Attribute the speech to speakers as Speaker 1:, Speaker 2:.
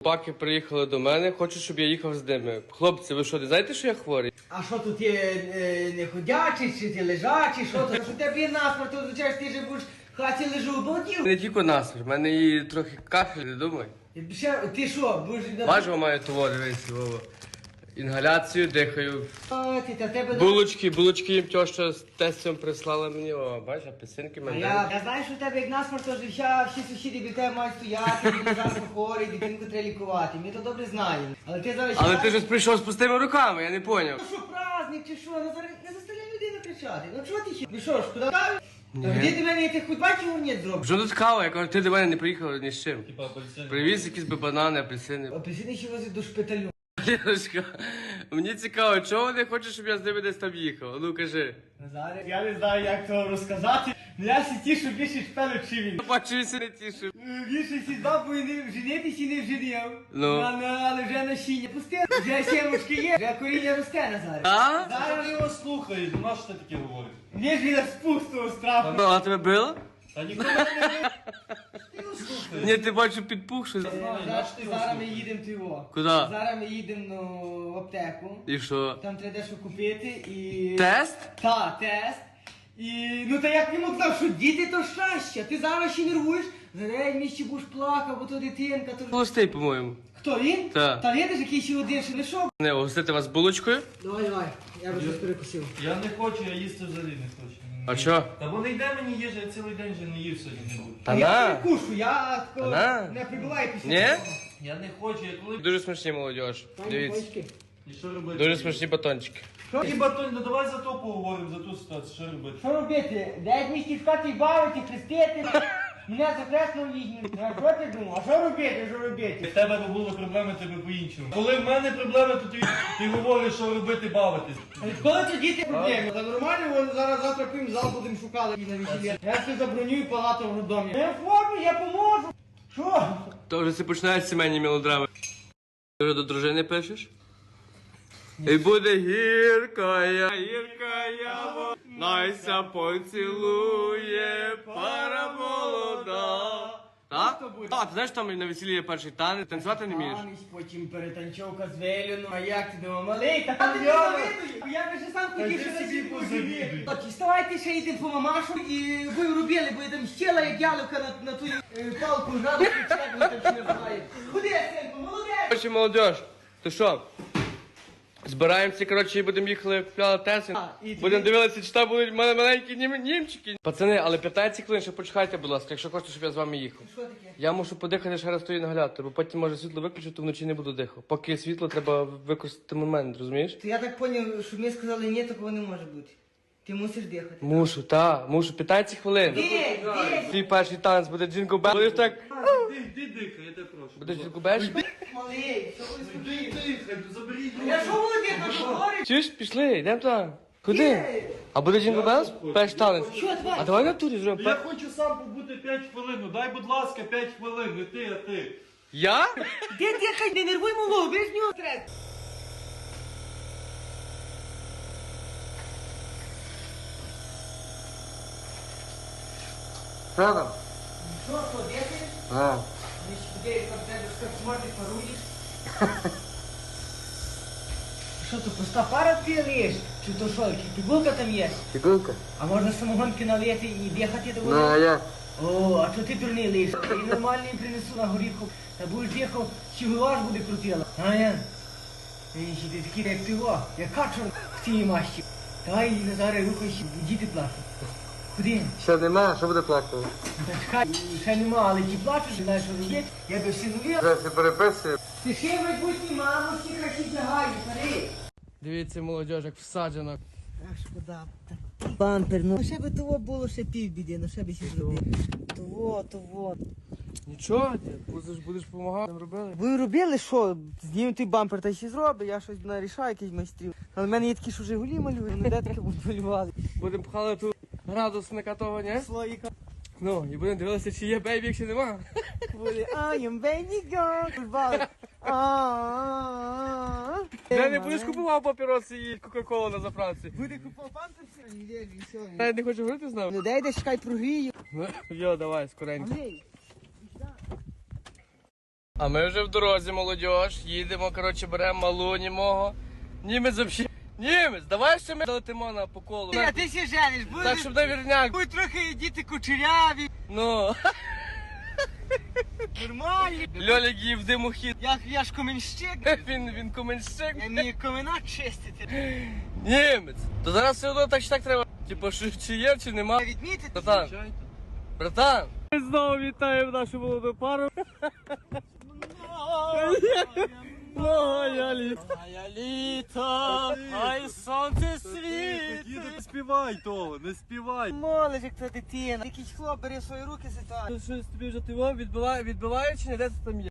Speaker 1: Паки приїхали до мене, хочуть, щоб я їхав з ними. Хлопці, ви що, не знаєте, що я хворий?
Speaker 2: А що тут є не ходячий, чи ти лежачий, що тут? Що тебе є насмерть, то означає, що ти же будеш в хаті лежу обалдів.
Speaker 1: Не тільки насмір, в мене і трохи кашель, не думай.
Speaker 2: Ти що, будеш...
Speaker 1: Бачу, маю того, дивись, Вова. Інгаляцію, дихаю.
Speaker 2: А, ти, та тебе...
Speaker 1: Булочки їм тьоща з тестем прислала мені, о, бачиш, апельсинки
Speaker 2: А
Speaker 1: мене.
Speaker 2: я знаю, що в тебе як насмерть, то всі сусіди біля тебе мають стояти, ти завжди хворий, дитинку треба лікувати. Ми то добре знаємо. Але ти зараз...
Speaker 1: Але ти ж прийшов з пустими руками, я не поняв.
Speaker 2: Ну що, праздник чи що? Ну зараз не заставляй людину кричати. Ну чого ти ще? Ну що ж, куди каві? Де ти мене, ти хоч бачив урнєт зробив?
Speaker 1: Що тут кава? Я кажу, ти до мене не приїхав ні з чим.
Speaker 3: Типа апельсин.
Speaker 1: Привіз якісь би банани, апельсини.
Speaker 2: Апельсини ще возять до шпиталю.
Speaker 1: Ліночка, мені цікаво, чого вони хочуть, щоб я з ними десь там їхав? Ну кажи.
Speaker 2: Назаре, я не знаю, як то розказати. Я всі тішу більше шпелю, чи він.
Speaker 1: Бачу, він не тішив.
Speaker 2: Більше сі бабу і не женитися і не вженів.
Speaker 1: Ну.
Speaker 2: Але вже насіння пусте. Вже сімочки є, вже коріння росте, Назаре.
Speaker 1: А?
Speaker 2: Зараз
Speaker 3: Ти його слухаєш, ну на що ти таке говориш?
Speaker 2: він ж від спустого страху.
Speaker 1: Ну, а тебе било?
Speaker 3: Та ніхто мене не бив. Ти його слухаєш.
Speaker 1: Ні, ти бачу підпухши.
Speaker 2: Зараз ми їдемо в його.
Speaker 1: Куди?
Speaker 2: Зараз ми їдемо в аптеку.
Speaker 1: І що?
Speaker 2: Там треба дещо купити і...
Speaker 1: Тест?
Speaker 2: Та, тест. І ну та як йому казав, що діти то щастя. Ти зараз ще нервуєш, зараз місці будеш плакав, бо то дитинка, то...
Speaker 1: Холостий, по-моєму.
Speaker 2: Хто він?
Speaker 1: Та.
Speaker 2: Та видиш, який ще один, що не шов.
Speaker 1: Не, угостити вас булочкою?
Speaker 2: Давай, я би щось перекусив.
Speaker 3: Я не хочу, я їсти взагалі не хочу.
Speaker 1: А що?
Speaker 3: Та бо не йде мені їжа, я цілий день вже не їв сьогодні не буду.
Speaker 1: Та
Speaker 2: А я
Speaker 1: на.
Speaker 2: перекушу, я такого
Speaker 1: на.
Speaker 2: не прибуваю після
Speaker 1: Ні?
Speaker 2: того.
Speaker 3: Я не хочу, я коли...
Speaker 1: Дуже смачні молодіж.
Speaker 2: Пані
Speaker 1: Дивіться.
Speaker 2: Бочки.
Speaker 3: І що робити?
Speaker 1: Дуже смачні батончики.
Speaker 3: Які батони, ну давай за то поговоримо, за ту ситуацію, що робити?
Speaker 2: Що робити? 9 місяців шукати бавити, хрестити. Мене за хресно візьмуть. А що ти думав? А що робити, що робити?
Speaker 3: В тебе не було проблеми, тебе по-іншому. Коли в мене проблеми, то ти говориш, що робити, бавитись.
Speaker 2: А відколи це діти проблеми? Та нормально, вони зараз завтра пим зал будемо шукати на весілля. Я все забронюю палату в роддомі. Я форму, я поможу. Що?
Speaker 1: То вже це починають сімейні мелодрами. Ти вже до дружини пишеш? І буде гіркая, найся поцілує пара молода. Так?
Speaker 2: Хто буде?
Speaker 1: А, ти знаєш, там на весіллі є перший танець, танцювати не вмієш?
Speaker 2: Танець, потім перетанчовка з Веліну. А як ти думав, малий? Та ти не завидую. Я би ще сам хотів,
Speaker 3: Та
Speaker 2: що
Speaker 3: ти
Speaker 2: на
Speaker 3: собі
Speaker 2: цій
Speaker 3: позавідуй.
Speaker 2: От, вставайте ще йдемо по мамашу і ви робили, бо я там щела, як яловка на ту палку жаду, чи як ви там ще називаєте. Куди, синку, молодець?
Speaker 1: Короче, молодіж, то що? Збираємося, коротше, і будемо їхали купляли Теслу.
Speaker 2: і
Speaker 1: Будемо
Speaker 2: ти-
Speaker 1: дивитися, чи там будуть маленькі німчики. Пацани, але 15 хвилин ще почекайте, будь ласка, якщо хочете, щоб я з вами їхав.
Speaker 2: Що таке?
Speaker 1: Я мушу подихати ще раз тої наглядати, бо потім може світло виключити, вночі не буду дихати. Поки світло, треба використати момент, розумієш?
Speaker 2: То я так зрозумів, що ми сказали, ні, такого не може бути. Ти мусиш дихати.
Speaker 1: Мушу, 15 хвилин.
Speaker 2: Де?
Speaker 1: Твій перший танець буде джингл бел. Будеш так,
Speaker 3: Іди дихай, я тебе прошу.
Speaker 1: будеш джингл беш?
Speaker 2: Малий, що ви
Speaker 3: Іди
Speaker 2: скажіть?
Speaker 3: дихай, заберіть.
Speaker 2: Я що володію, що говорить?
Speaker 1: Чуєш, пішли, йдемо там. Куди? А буде джингл белс? Перший танець.
Speaker 2: Що, давай?
Speaker 1: А давай на турі зробимо.
Speaker 3: Я хочу сам побути 5 хвилин, ну дай, будь ласка, 5 хвилин, не ти, а ти.
Speaker 1: Я?
Speaker 2: Де дихай, не нервуй малого, ви ж нього стрес.
Speaker 1: Що там?
Speaker 2: Що, ходити?
Speaker 1: А.
Speaker 2: Ми ж людей там тебе що смотри, паруєш. Що то пуста пара пілиш? Чи то що, пігулка там є?
Speaker 1: Фігурка?
Speaker 2: А можна самогонки налити і дихати до води?
Speaker 1: Ну, а я?
Speaker 2: О, а що ти дурний лиш? І нормальний принесу на горіху. Та будеш їхав, чигуваш буде крутила. А я? Ей, ти такий, як ти во, як качур в цій масті. Давай, Назаре, рухайся, діти плачуть. Куди?
Speaker 1: Ще нема, що буде плакати?
Speaker 2: Та чекай, ще нема, але ті плачуть, знаєш, що робити. Я би всі нові.
Speaker 1: Вже всі переписує.
Speaker 2: Ти ще в майбутній маму, всі красі лягають, старий.
Speaker 1: Дивіться, молодіж, як всаджено.
Speaker 2: Ах, шкода. Бампер, ну ще би того було ще півбіди, ну ще би ще зробив. Того.
Speaker 1: Нічого, будеш допомагати, робили.
Speaker 2: Ви робили що? Знімемо той бампер та ще зробить, я щось нарішаю, якийсь майстрів. Але в мене є такі, що Жигулі малюють, ну де таке будуть малювати.
Speaker 1: Будемо пхали тут градусника того, ні?
Speaker 2: Слоїка.
Speaker 1: Ну, і будемо дивитися, чи є бейбі, якщо нема.
Speaker 2: Буде I am baby girl.
Speaker 1: Я не будеш купував папіроси і кока-колу на заправці.
Speaker 2: Буде купав бампер все? Не вірю, все.
Speaker 1: Я не хочу говорити з нами.
Speaker 2: Ну дай десь чекай прогрію.
Speaker 1: Ну, йо, давай, скоренько.
Speaker 2: Андрій.
Speaker 1: А ми вже в дорозі, молодь. Їдемо, коротше, беремо малуні мого. Німець взагалі. Німець, давай ще ми долетимо на по колу.
Speaker 2: А ти ще жениш,
Speaker 1: Так, щоб на вірняк.
Speaker 2: будуть трохи діти кучеряві,
Speaker 1: Ну,
Speaker 2: нормальні.
Speaker 1: Льолік їв димохід.
Speaker 2: Я ж коменщик,
Speaker 1: Він коменщик.
Speaker 2: я вмію комена чистити.
Speaker 1: Німець. То зараз все одно так чи так треба. Типу, чи є, чи нема.
Speaker 2: Відмітити.
Speaker 1: Братан, братан. Ми знову вітаємо нашу молоду пару. Моя літа.
Speaker 2: Моя літо, ай сонце світ.
Speaker 3: Не співай того, не співай.
Speaker 2: Молодь, як та дитина. Якийсь хлоп бере в свої руки ситуацію.
Speaker 1: Щось тобі вже відбиває чи не де це там є?